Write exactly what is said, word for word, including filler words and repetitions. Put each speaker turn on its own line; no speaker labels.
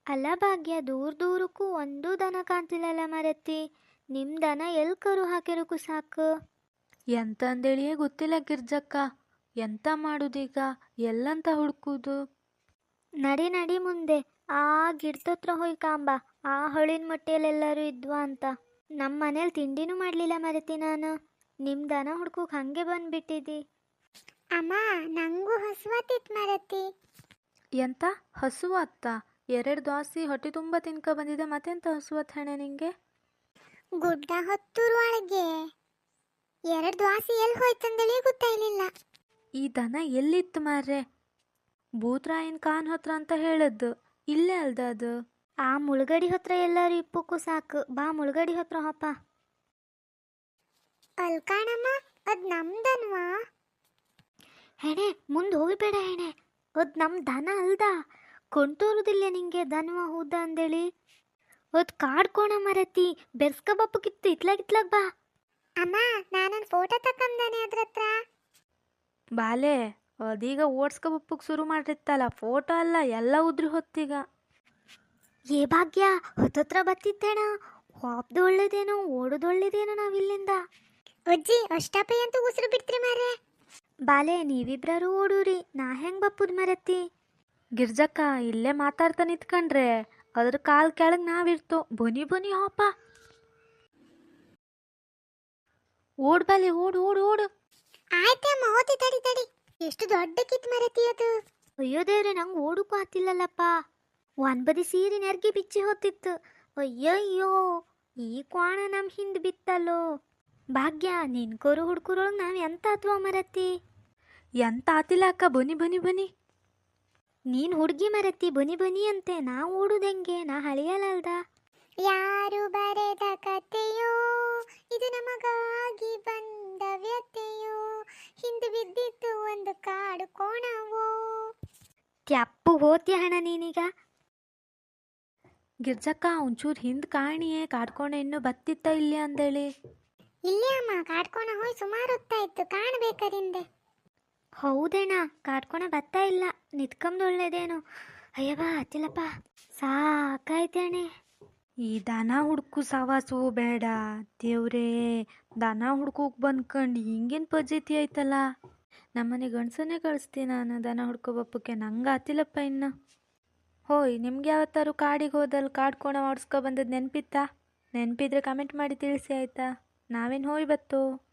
ಅಲ್ಲ ಭಾಗ್ಯ, ದೂರ ದೂರಕ್ಕೂ ಒಂದು ದನ ಕಾಣ್ತಿಲ್ಲಲ್ಲ ಮರತಿ. ನಿಮ್ ದನ ಎಲ್ ಕರು ಹಾಕಿರಕು ಸಾಕು.
ಎಂತ ಅಂದೇಳಿಯೇ ಗೊತ್ತಿಲ್ಲ ಗಿರ್ಜಕ್ಕ. ಎಂತ ಮಾಡುದೀಗ, ಎಲ್ಲಂತ ಹುಡುಕುದು?
ನಡಿ ನಡಿ ಮುಂದೆ, ಆ ಗಿಡದತ್ರ ಹೋಯ್ ಕಾಂಬ. ಆ ಹೊಳಿನ ಮೊಟ್ಟೆಯಲ್ಲೆಲ್ಲರೂ ಇದ್ವಾ ಅಂತ. ನಮ್ಮ ಮನೇಲಿ ತಿಂಡಿನೂ ಮಾಡಲಿಲ್ಲ ಮರತಿ ನಾನು. ನಿಮ್ಮ ದನ ಹುಡ್ಕೋಕೆ ಹಂಗೆ ಬಂದ್ಬಿಟ್ಟಿದ್ದಿ.
ಅಮ್ಮ, ನಂಗೂ ಹಸುವಾತಿತ್ತು ಮರತಿ.
ಎಂತ ಹಸುವತ್ತ? ಎರಡು ದೋಸೆ ಹೊಟ್ಟೆ ತುಂಬ ತಿನ್ಕ ಬಂದಿದೆ, ಮತ್ತೆಂತ ಹಸುವತ್ ಹಣೆ ನಿಂಗೆ?
ಗುಡ್ಡ ಹೊತ್ತುರುವೊಳಗೆ ಎರಡು ದ್ವಾಸಿ ಎಲ್ಲಿ ಹೋಯ್ತಂದೇಳಿ ಗೊತ್ತಾಗ್ಲಿಲ್ಲ.
ಈ ದನ ಎಲ್ಲಿತ್ತು ಮಾರ್ರೆ? ಭೂತ್ರಾಯನ್ ಖಾನ್ ಹತ್ರ ಅಂತ ಹೇಳದ್ದು, ಇಲ್ಲೇ ಅಲ್ದ ಅದು?
ಆ ಮುಳುಗಡಿ ಹತ್ರ ಎಲ್ಲರೂ ಇಪ್ಪಕ್ಕೂ ಸಾಕು. ಬಾ ಮುಳುಗಡಿ ಹತ್ರ ಹೊಪ್ಪ.
ಅಲ್ ಕಾಣಮ್ಮ, ಅದ್ ನಮ್ದನ್ವಾ?
ಹೆಣೆ ಮುಂದೆ ಹೋಗ್ಬೇಡ ಹೆಣೆ, ಅದ್ ನಮ್ಮ ದನ ಅಲ್ದ. ಕೊಂಟೋರುದಿಲ್ಲ ನಿಂಗೆ ದನವ ಹೌದ ಅಂದೇಳಿ. ಅದ್ ಕಾಡ್ಕೋಣ ಮರತಿ, ಬೆರ್ಸ್ಕ ಬಪ್ಪಕ್ಕಿತ್ತು. ಇತ್ಲಾಗ ಇತ್ಲಾಗ ಬಾ.
ಅಮ್ಮ, ನಾನೊಂದು ಫೋಟೋ ತಕ್ಕಂದಾನೆ ಅದ್ರ ಹತ್ರ.
ಬಾಲೆ, ಅದೀಗ ಓಡ್ಸ್ಕೊಬಪ್ಪಕ್ಕೆ ಶುರು ಮಾಡಿರ್ತಲ್ಲ, ಫೋಟೋ ಅಲ್ಲ ಎಲ್ಲ ಉದ್ರಿ ಹೊತ್ತೀಗ.
ಏ ಭಾಗ್ಯ, ಹೊತ್ತತ್ರ ಬತ್ತಿದ್ದೇಣ. ಹಾಪ್ದು ಒಳ್ಳೇದೇನೋ, ಓಡೋದು ಒಳ್ಳೇದೇನೋ ನಾವಿಲ್ಲಿಂದ.
ಅಜ್ಜಿ, ಅಷ್ಟಪೈ ಅಂತೂ ಉಸಿರು ಬಿಡ್ತೀರಿ ಮಾರ್ರೆ.
ಬಾಲೆ, ನೀವಿಬ್ರಾರು ಓಡೂರಿ, ನಾ ಹೆಂಗ್ ಬಪ್ಪುದ್ ಮರತಿ?
ಗಿರ್ಜಕ್ಕ, ಇಲ್ಲೇ ಮಾತಾಡ್ತಾ ನಿಂತ್ಕೊಂಡ್ರೆ ಅದ್ರ ಕಾಲ್ ಕೆಳಗೆ ನಾವಿರ್ತೋ. ಬನಿ ಬನಿ ಹಾಪ, ಓಡ್ ಬಾಲೆ, ಓಡು ಓಡು ಓಡು.
ಆಯ್ತೆ ಅಮ್ಮ, ಹೋತಿ ತಡಿ ತಡಿ. ಎಷ್ಟು ದೊಡ್ಡಕ್ಕಿತ್ತು ಮರತಿ ಅದು.
ಅಯ್ಯೋ ದೇವ್ರೆ, ನಂಗೆ ಓಡಕ್ಕೂ ಆತಿಲ್ಲಲ್ಲಪ್ಪ. ಒಂದ್ ಬದಿ ಸೀರೆ ನೆರ್ಗಿ ಬಿಚ್ಚಿ ಹೊತ್ತಿತ್ತು. ಅಯ್ಯಯ್ಯೋ, ಈ ಕ್ವಾಣ ನಮ್ಮ ಹಿಂದೆ ಬಿತ್ತಲ್ಲೋ. ಭಾಗ್ಯ, ನಿನ್ ಕೊರು ಹುಡ್ಕುರೊಳಗೆ ನಾವು ಎಂತ ಆತ್ವ ಮರತಿ?
ಎಂತ ಆತಿಲ್ಲ ಅಕ್ಕ, ಬನಿ ಬನಿ ಬನಿ.
ನೀನ್ ಹುಡುಗಿ ಮರತಿ, ಬನಿ ಬನಿ ಅಂತೆ. ನಾ ಓಡುದೆಂಗೆ? ನಾ ಹಳಿಯಲ್ಲಲ್ದ.
ಯಾರು ಬರೆದ ಕಥೆಯೋ ಇದು, ನಮಗಾಗಿ ಬಂದ ವ್ಯಥೆಯೋ, ಹಿಂದೆ ಬಿದ್ದಿತ್ತು ಒಂದು ಕಾಡು ಕೋಣವೋ.
ತ್ಯಪ್ಪು ಹೋತ್ಯ ಹಣ ನೀನೀಗ.
ಗಿರ್ಜಕ್ಕ, ಒಂಚೂರು ಹಿಂದ್ ಕಾಣಿಯೇ, ಕಾಡ್ಕೊಂಡೆ ಇನ್ನೂ ಬತ್ತಿತ್ತ ಇಲ್ಲಿ ಅಂದೇಳಿ.
ಇಲ್ಲೇ ಅಮ್ಮ, ಕಾಡ್ಕೋಣ ಹೋಯ್ ಸುಮಾರು ಹೊತ್ತಾಯ್ತು, ಕಾಣಬೇಕಾರಿಂದೆ.
ಹೌದೇಣ, ಕಾಡ್ಕೊಣ ಬತ್ತಾ ಇಲ್ಲ. ನಿತ್ಕಂದು ಒಳ್ಳೇದೇನು. ಅಯ್ಯವ್ವ ಹತ್ತಿಲ್ಲಪ್ಪ, ಸಾಕಾಯ್ತೇಣೆ.
ಈ ದನ ಹುಡ್ಕು ಸವಾಸು ಬೇಡ ದೇವ್ರೇ. ದನ ಹುಡ್ಕೋಕ್ ಬಂದ್ಕಂಡು ಹಿಂಗೇನು ಪಜ್ಜತಿ ಆಯ್ತಲ್ಲ. ನಮ್ಮನೆ ಗಂಡಸನ್ನೇ ಕಳಿಸ್ತೀನಿ ನಾನು ದನ ಹುಡ್ಕೊಬಪ್ಪಕ್ಕೆ. ನಂಗೆ ಆತಿಲ್ಲಪ್ಪ ಇನ್ನು. ಹೋಯ್, ನಿಮ್ಗೆ ಯಾವತ್ತಾರು ಕಾಡಿಗೆ ಹೋದಲ್ಲಿ ಕಾಡ್ಕೋಣ ಓಡಿಸ್ಕೊ ಬಂದದ್ದು ನೆನಪಿತ್ತಾ? ನೆನಪಿದ್ರೆ ಕಮೆಂಟ್ ಮಾಡಿ ತಿಳಿಸಿ ಆಯ್ತಾ? ನಾವೇನು ಹೋಯ್ ಬತ್ತು.